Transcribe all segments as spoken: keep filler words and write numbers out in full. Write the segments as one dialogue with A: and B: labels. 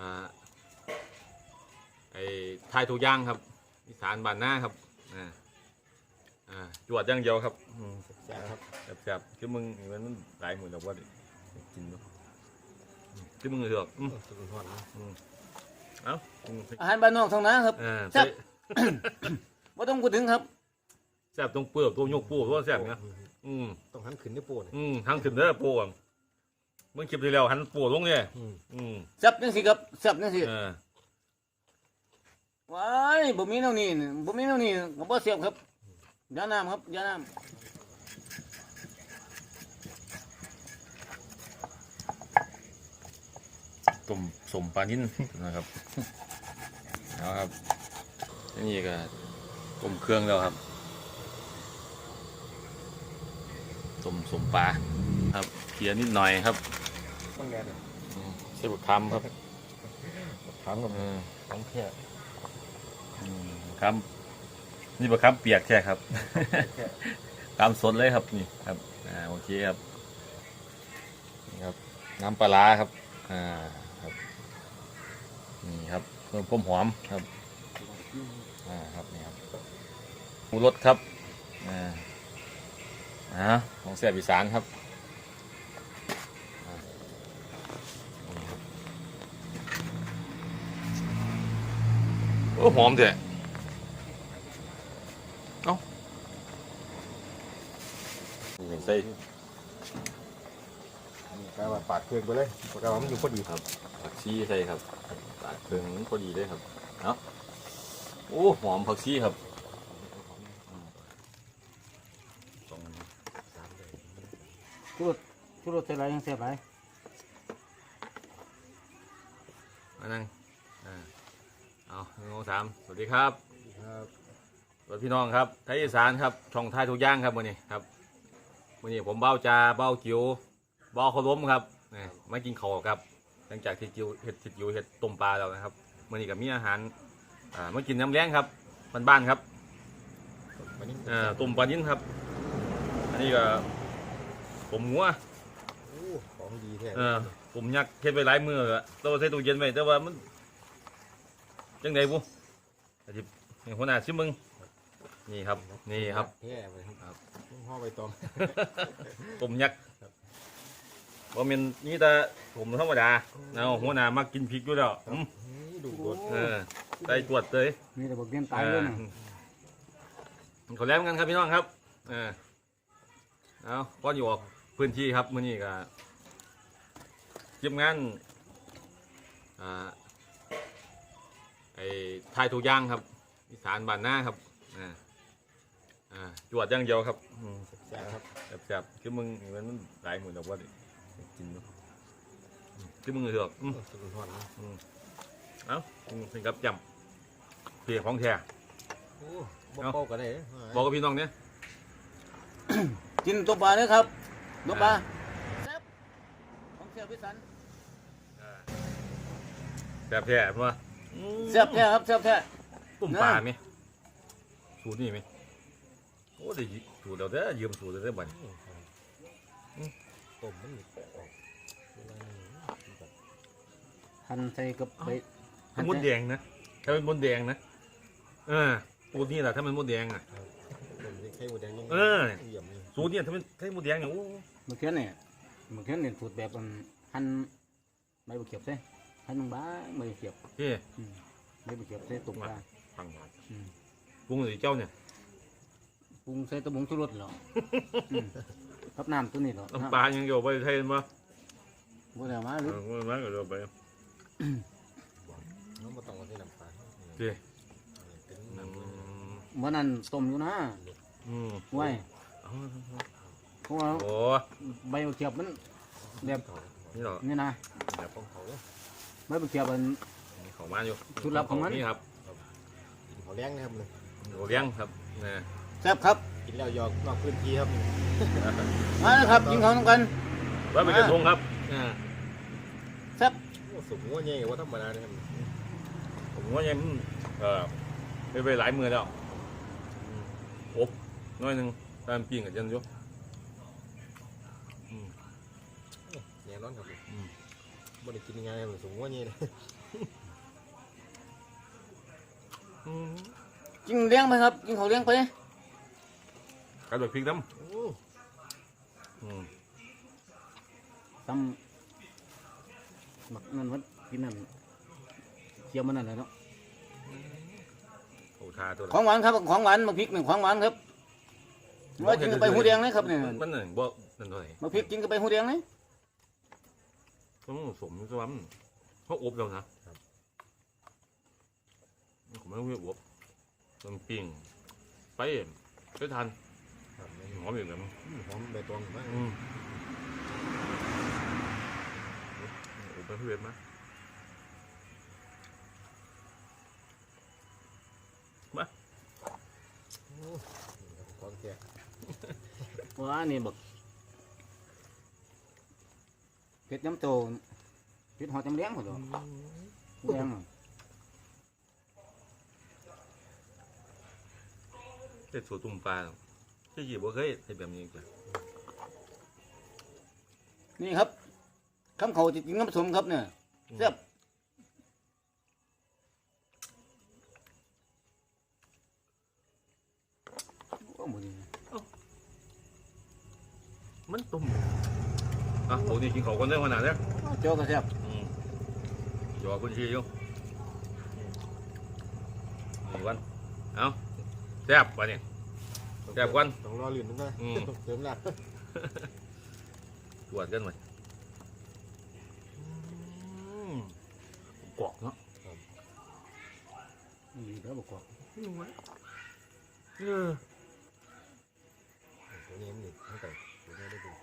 A: อ่าไอ้ทายทุกอย่างครับอีสานบ้านหน้าครับอ่าอ่าจวดอย่างเดียวครับแซ่บครับแซ่บๆคือมึงมันมันหลายหมื่นแล้วว่ากินเนาะคือมึงเหรออืมเอ้า
B: อาหารบ้านนอกทางนั้นครับแซ่บไม่ต้องพูดถึงครับ
A: แซ่บตรงเปลือกตัวยกปูตัวแซ่บนะอืม
C: ต้องหันขึ้นด้วยปู
A: อืมหันขึ้นเด้อปูมึงคลิปที่แล้วหันปูลงเนี่ยอืม
B: แซ่บจังสิครับแซ่บจังสิว้ายบ่มีแนวนี้บ่มีแนวนี้ก็บ่เสียบครับยาน้ำครับยาน้ำ
A: ต้มสมปลานิ่นนะครับเอาครับนี่ก็ต้มเครื่องแล้วครับต้มสมปลาครับเคี่ยวนิดหน่อยครับ
C: ต้องแงน
A: ใส่บุกคำครับ
C: คำกับต้องแค่
A: คำนี่บุกคำเปียกแค่ครับคำสดเลยครับนี่ครับอ่าโอเคครับนี่ครับน้ำปลาครับอ่าครับนี่ครับเพิ่มความหอมครับอ่าครับนี่ครับหมูรสครับอ่าอ่าของแซ่บอีสานครับโอ้หอมเถอะเอ้านี่ใส่
C: กาว่าปาดเครื่องไปเลยกาว่ามันอยู่พอดี
A: ครับผักชีใส่ครับปาดเครื่องพอดีเลยครับเนาะโอ้หอมผักชีครับ
B: ชูรสชูรสใส่ไรยังแซ่บไร
A: มานั่งอ่าเอาหนึ่งสองสามสวัสดีครับสวัสดีพี่น้องครับไทยอีสานครับช่องไทยทุกย่างครับวันนี้ครับวันนี้ผมเบ้าจ่าเบ้าจิ๋วเบ้าข้าวล้มครับนี่มากินข้าวครับหลังจากที่จิ๋วเห็ดจิ๋วเห็ดต้มปลาแล้วนะครับวันนี้กับมีอาหารอ่ามากินน้ำแล้งครับบ้านๆครับอ่าต้มปลานิ่นครับอันนี้ก็ผมหัว
C: ของดีแท้
A: เออผมยักเฮ็ดไว้หลายมือแล้วตัวใส่ตู้เย็นไว้แต่ว่ามันจังไดบุอาจจะหัวหน้าชิมมึงนี่ครับนี่ครับ
C: แท้ไปครับห่อใบตอง
A: ผมยักว่ามันนี่แต่ผมธรรมดาเอาหัวหน้ามักกินพริกอยู่แล้ว
C: ดูด
A: เออใส่ตรวจเลย
B: นี่แต่บอกเรียนตายเลยนะ
A: ขอแล้วกันครับพี่น้องครับเออเอาก็อยู่ออกพื้นที่ครับมื้อนี้ก็ทีมงานอ่าไอ้ทายทุกอย่างครับอีสานบ้านหน้าครับอ่าอ่าจวดอย่างเดียวครับ
C: แซ่บครับ
A: แซ่บๆคือมึงมันหลายหมื่นแล้วว่ากินเนาะคือมึงเหรออืมเอ้าถึงกับจำเพียของแท้
C: บอกกันได้
A: บอกกับพี่น้องเนี่ย
B: กินตัวปลาเลยครับตัวปลาแซ่บของแซ่บพิสัน
A: แซ่บแท้เพราะว่า
B: แซ่บแท้ครับแซ่บแท้
A: ต้มปลาไหมสูตรนี่ไหมโอ้ได้สูตรเราได้ยืมสูตรเราได้บ่อย
C: ต้มมัน
B: หั่นใส่กับใบ
A: มดแดงนะถ้าเป็นมดแดงนะเออสูตรนี่แหละถ้าเป็นมดแดงอ่ะเออสูตรนี่ถ้าเป็นไข่มดแดงเนี่ยโอ้
B: เมื่อกี้เนี่ยเมื่อกี้เนี่ยสูตรแบบหั่นใบบุกเขียบใช่หั่นบางใบบุกเขียบ
A: เฮ้
B: ใบบุกเขียบใส่ตุ่มปลา
A: ฟังหน่อยปรุงหรือเจ้าเนี่ย
B: ปรุงใส่ตะบงชูรสเหรอครับน้ำตัวนี้เหรอ
A: น้ำปลายังอยู่ไปไทยมั้ย
B: บ่ได้มาหรือ
A: บ่ได้มาก็เดี๋ยวไป
C: น้องบ่ต้องมาใส่น้ำปลา
A: เฮ้
B: เมื่อนั้นต้มอยู่นะไว้เพราะว่าใบบุกเขียบมันแบบ
A: นี่หรอ
B: นี่นะ
A: แบบของเขา
B: ใบบุกเขียบมัน
A: เขามาอยู่
B: ชุดลับของมัน
A: นี่ครับ
C: เขาเลี้ยงนะครับเลย
A: เขาเลี้ยงครับนะ
B: แซ่บครับ
C: กินแล้วยอกนอกพื้นที่ครับ
B: มาแล้วครับกินข้าวกัน
A: ว่าเป็นกระทงครับ
B: แซ่บ
C: สุกหัวเงี้ยว่าธรรมดาเนี่ย
A: ผมว่ายังเออไปไปหลายมือแล้วอบน้อยหนึ่งตามปีกับยันยุ
C: แน่นอนครับบ่ได้กินง่ายๆสุกหัวเงี้ย
A: อืม
B: กินเลี้ยงไปครับกินเขาวเลี้ยงไป
A: กระโดดพริกน้
C: โอ้
A: ำอืม
B: ตำหมักนั่นวัดกินนั่นเคี่ยวมันนั่นแหละเนาะ
A: โอ้ทาตัว
B: ของหวานครับของหวานหมักพริกหนึ่งของหวานครับว่ากินกับใบหูแดงนะครับเนี่ย
A: มันหนึ่งบ่นั่นเท่าไหร่
B: หมักพริกกินกับใบหูแดงเลย
A: ต้องสมสวมเขาอบแล้วนะผมไม่รู้ว่าอบมันปิ้งไปไปทาน
C: ครับ
A: หอมอยู่แบบ
C: อืมหอมใบตองมาก
A: อืมอบไปเพื่อนมามา
C: โอ้นี่ครับของแก่
B: ว้านี่บักเผ็ดน้ำโตเผ็ดหอดจำเลี้ยงหมดเลยแดงอะ
A: เด็ดสูตรตุ่มปลาที่หยิบว่าเคยเห็นแบบนี้จ้ะ
B: นี่ครับคำเขาจะกินน้ำผสมครับเนี่ยแซ่บ โอ้หมดเลย
A: มันตุ่มอ่ะปกติกินเขากันได้ขนาดนี้
B: เจ้าก็แซ่บ
A: อืมหยอกคุณชีอยู่นี่วันเอาแซ่บวันนี้ แซ่บกว่า
C: ต้องรอลื่นนึงนะ
A: อืม
C: เติมน้
A: ตรวจกันหน่อยกรอกเนาะ
B: นี่เดี๋ยวบอกว่า
A: เออ
C: ำตัวนี้มันนี่ตั้งแต่ตัวนี้ได้ดู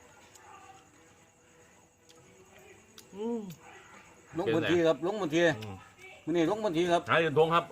A: อืม
B: ลงบนทีครับลงบนที
A: อืม
B: มันนี่ลงบนทีครับ
A: หาเรียนทงครับ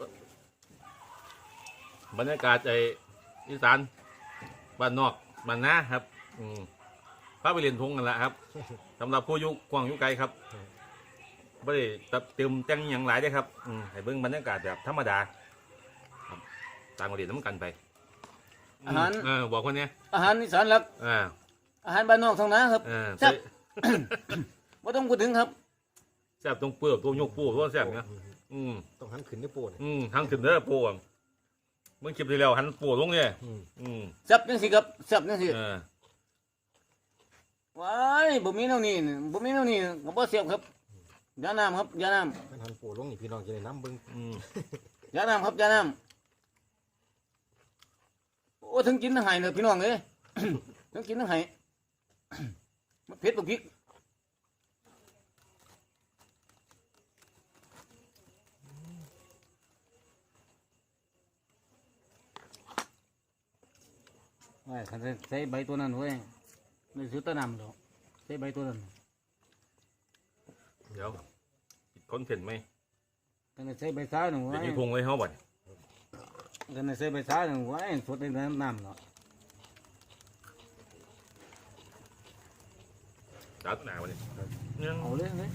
A: บรรยากาศไออีสานบ้านนอกบ้านนาครับ อืมพาไปเรียนทงกันละครับสำหรับผู้อยุกว้างอยุไกลครับไม่ได้ตัดเติมแต่งอย่างหลายได้อครับอืมให้เบิ่งบรรยากาศแบบธรรมดาครับต่างประเทศน้ำกันไป
B: อาหาร
A: เออบอกคนเนี้ย
B: อาหารอีสานหลัก
A: อ่า
B: อาหารบ้านนอกทางนั้นครับ
A: เออ
B: แซ่บ ไม่ต้องพูดถึงครับ
A: แซ่บตรงเปลือกตัวยกปูตัวแซ่บเนี่ยอืม
C: ต้องหันขึ้นด้วยโป้เนี่ย
A: อืมทางขึ้นเด้อปูอ่ะเมื่อคลิปที่แล้วหันปูลงเนี่ย
C: อืม
A: อืม
B: แซ่บจังสิครับแซ่บจังสิ
A: เออ
B: ว้ายบ่มีแนวนี้บ่มีแนวนี้ก็บ่เสียบครับยาน้ำครับยาน้
C: มันหันโป้ลงนี่พี่น้องจะได้น้ำเบิ้ง
A: อืม
B: ำยาน้ำครับยาน้ำโอ้ทั้งกินทั้งไห้เลยพี่น้องเอ้ย ทั้งกินทั้งไห้ มันเผ็ดบ่พริกว้ายคันใส่ใบตัวนั้นเว้ยไม่ซื้อตะนำดอกใส่ใบตัวนั้น
A: เดี๋ยวคอนเทนต์ไหม
B: คันใส่ใบซ้ายหนึ่ง
A: เดี๋
B: ไว้
A: ยวนี้ทงไว้เขาบ่ด
B: คันใส่ใบซ้ายหนึ่งไว้สดในน้ำเนาะ
A: จัดหนาวันนี้เนี่ย
B: เอาเลยเลย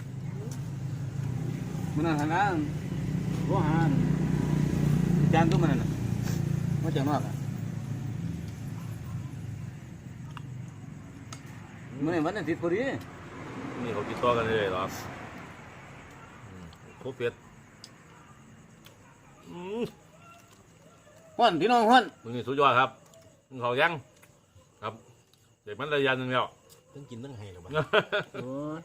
B: มันนั่นหันหน้าก็หาจานตัวมันน่ะมาจากนอกอ่ะมันวันอาทิตย์พอดี
A: นี่เขาติดต่อกันเลยเหรออืมโคตรเผ็ดอืม
B: ฮ้อนพี่น้องฮ้อน
A: มึงนี่สุดยอดครับมึงเขายังครับเด็กมันระยะหนึ่งแล้ว
C: ต้องกินต้องให้หรอบ้าง
B: โอ้ย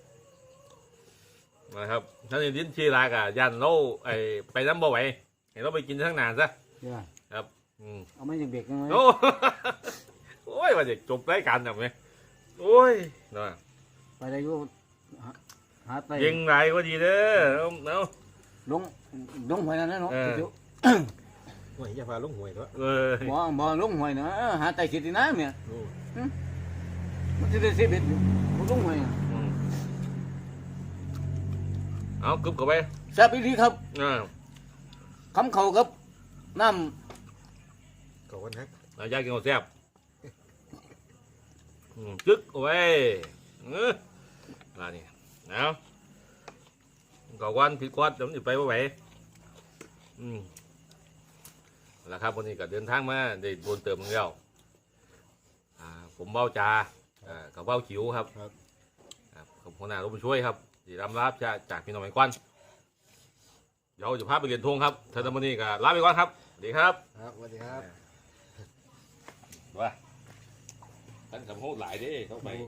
A: นะครับท่านยินชีรากะยันเราไอไปน้ำบ่ไหวเห็นเราไปกินทั้งนานซะ
B: เดี๋ยว
A: ครับอืม
B: เอาไม่ยังเด็กยังไง
A: โอ้ โอ้ยว่าจะจบรายการแบบนี้โอ้ยนะ
B: ไปได้อยู่หาหาไต
A: ยิงไรก็ดีเด้อเอาเอา
B: ลงลงหวยนั่นนะเนาะ
A: เออ
B: เดี๋ยว
C: โอ้ยอย่าพาลงหวยตัว
A: เออ
B: บ่บ่ลงหวยนะหาไตสิที่น้ำเนี่ย
C: โอ้
B: มันจะได้เสียเบ็ดอยู่บ่ลงหวยอะ
A: อืมเอากึบเข้าไป
B: แซ่บอีหลีครับ
A: อ่า
B: คำเขาครับน้
C: ขอบคุณครับ
A: เอายากินข้าวแซ่บอืมจึ๊กเอาไว้เออมานี่เอาก่อวันผิดกวาดเดี๋ยวมันจะไปว่าไหวอืมแล้วครับวันนี้ก็เดินทางมาได้โดนเติมเงินแล้วอ่าผมเบ้าจาอ่ากับเบ้าจิ๋วครับ
C: ครับ
A: ครับขอบคุณนะรบช่วยครับที่รำรับจากจากพี่น้องไอ้ควันเดี๋ยวจะพาไปเรียนทงครับท่านมื้อนี้ก็ลาไปก่อนครับสวัสดีครับ
C: ครับสวัสดีครับ
A: ว่าท่านสำโพกหลายเด้เข้าไป